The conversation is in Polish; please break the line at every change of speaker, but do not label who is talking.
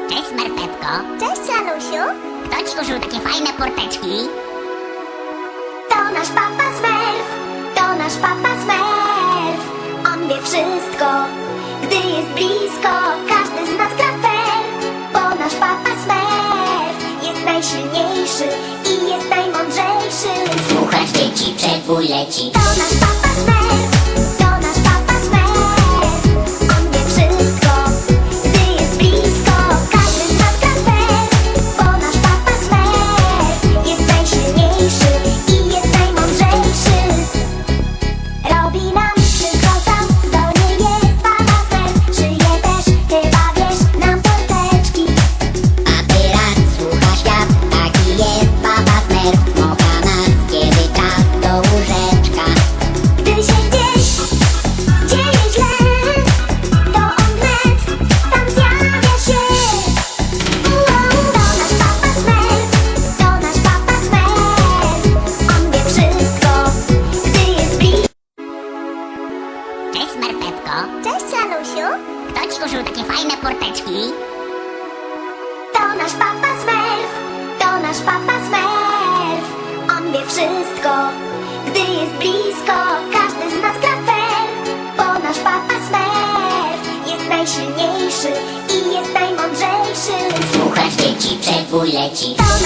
Cześć, Smerfetko.
Cześć, Anusiu.
Kto ci użył takie fajne porteczki?
To nasz papa Smurf, to nasz papa Smurf. On wie wszystko, gdy jest blisko. Każdy z nas gra fair, bo nasz papa Smurf jest najsilniejszy i jest najmądrzejszy.
Słuchasz dzieci, przebój leci.
To nasz papa Smurf, to nasz papa Smurf. On wie wszystko, gdy jest blisko. Każdy z nas gra fair, bo nasz papa Smurf jest najsilniejszy i jest najmądrzejszy. Robi nam wszystko sam, zdolny jest papa Smurf. Żyje też, chyba wiesz, nam porteczki.
A teraz słucha świat, taki jest papa Smurf. Smoka nas, kiedy czas do łóżeczka.
Gdy się gdzieś dzieje źle, to on wnet tam zjawia się. To nasz papa Smurf, to nasz papa Smurf. On wie wszystko, gdy jest blisko.
Cześć, Smerfetko.
Cześć, Anusiu.
Kto ci użył takie fajne porteczki?
To nasz papa Smurf, to nasz papa Smurf. On wie wszystko, gdy jest blisko. Każdy z nas gra fair, bo nasz papa Smurf jest najsilniejszy i jest najmądrzejszy.
Słuchasz dzieci, przebój leci.